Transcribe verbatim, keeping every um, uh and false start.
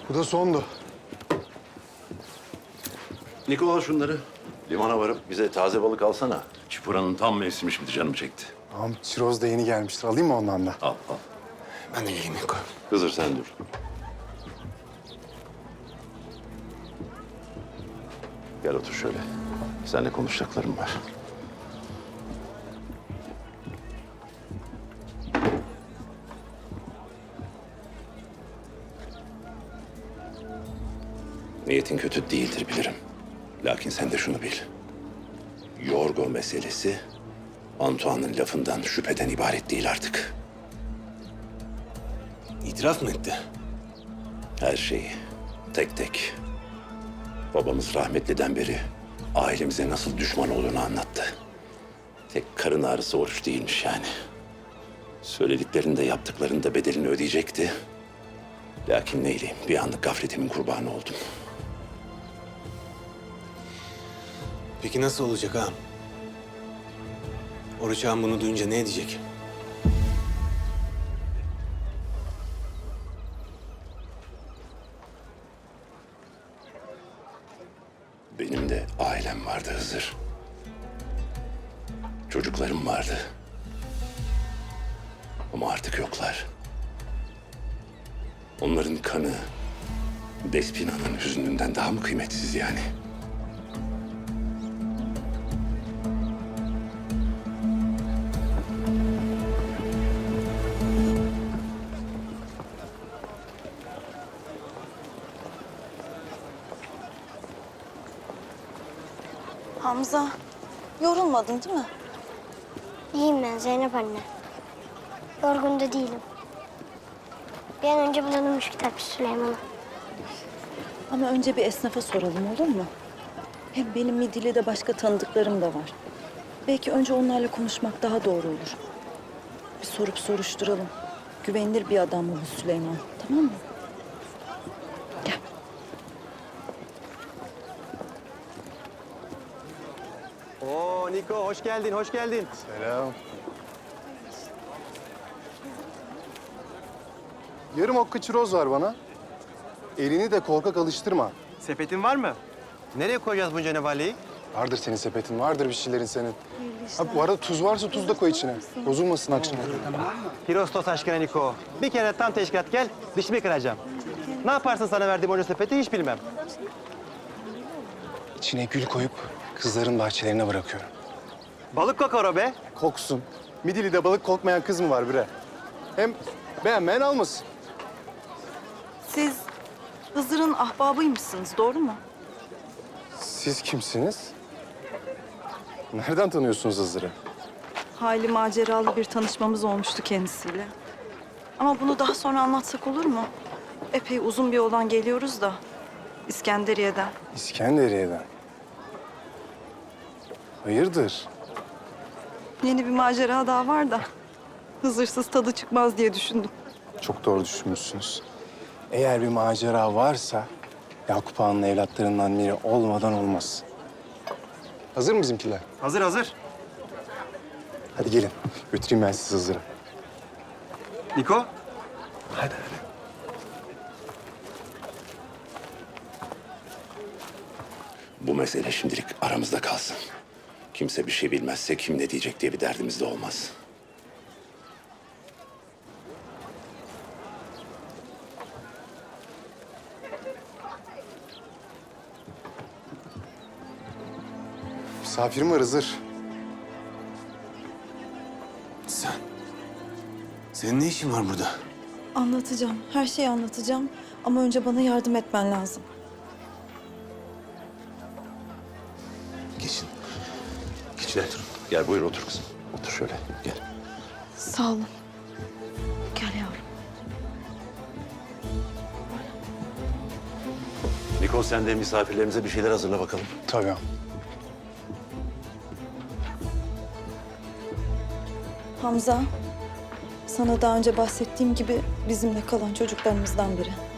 Bu da sondu. Niko al şunları. Limana varıp bize taze balık alsana. Çipuranın tam mevsimi şimdi canım çekti. Tamam, çiroz da yeni gelmiştir. Alayım mı ondan da? Al al. Ben de geleyim Niko. Hızır sen dur. Gel otur şöyle. Seninle konuşacaklarım var. Niyetin kötü değildir bilirim. Lakin sen de şunu bil. Yorgo meselesi Antoine'ın lafından, şüpheden ibaret değil artık. İtiraf mı etti? Her şeyi, tek tek. Babamız rahmetliden beri ailemize nasıl düşman olduğunu anlattı. Tek karın ağrısı oruç değilmiş yani. Söylediklerinde, yaptıklarında bedelini ödeyecekti. Lakin neyleyim, bir anlık gafletimin kurbanı oldum. Peki nasıl olacak ağam? Oruç ağam bunu duyunca ne edecek? Benim de ailem vardı Hızır. Çocuklarım vardı. Ama artık yoklar. Onların kanı Despina'nın hüznünden daha mı kıymetsiz yani? Hamza, yorulmadın değil mi? İyiyim ben Zeynep anne. Yorgun da değilim. Bir an önce bulalım şu kitapçı Süleyman'ı. Ama önce bir esnafa soralım olur mu? Hem benim Midilli'de başka tanıdıklarım da var. Belki önce onlarla konuşmak daha doğru olur. Bir sorup soruşturalım. Güvenilir bir adam mı bu Süleyman, tamam mı? Gel. Oo Niko hoş geldin, hoş geldin. Selam. Yarım okka çiroz var bana. Elini de korkak alıştırma. Sepetin var mı? Nereye koyacağız bunca nevaleyi? Vardır senin sepetin, vardır bir şeylerin senin. Ha, bu arada tuz varsa tuz da koy içine. Bozulmasın akşama kadar. Pirostos aşkına Niko. Bir kere tam teşkilat gel, dişimi kıracağım. Ne yaparsın sana verdiğim onca sepeti hiç bilmem. İçine gül koyup kızların bahçelerine bırakıyorum. Balık kokar o be. Koksun. Midilli'de balık kokmayan kız mı var bre? Hem beğenmeyen almasın. Siz Hızır'ın ahbabıymışsınız, doğru mu? Siz kimsiniz? Nereden tanıyorsunuz Hızır'ı? Hayli maceralı bir tanışmamız olmuştu kendisiyle. Ama bunu daha sonra anlatsak olur mu? Epey uzun bir yoldan geliyoruz da. İskenderiye'den. İskenderiye'den. Hayırdır? Yeni bir macera daha var da. Hızırsız tadı çıkmaz diye düşündüm. Çok doğru düşünmüşsünüz. Eğer bir macera varsa Yakup Ağa'nın evlatlarından biri olmadan olmaz. Hazır mı bizimkiler? Hazır hazır. Hadi gelin. Götüreyim ben sizi Hızır'a. Niko. Hadi hadi. Bu mesele şimdilik aramızda kalsın. Kimse bir şey bilmezse kim ne diyecek diye bir derdimiz de olmaz. Misafirim var Hızır. Sen? Senin ne işin var burada? Anlatacağım, her şeyi anlatacağım. Ama önce bana yardım etmen lazım. Geçin. Gel, gel buyur otur kızım. Otur şöyle, gel. Sağ olun. Gel yavrum. Niko sen de misafirlerimize bir şeyler hazırla bakalım. Tabii. Hamza, sana daha önce bahsettiğim gibi bizimle kalan çocuklarımızdan biri.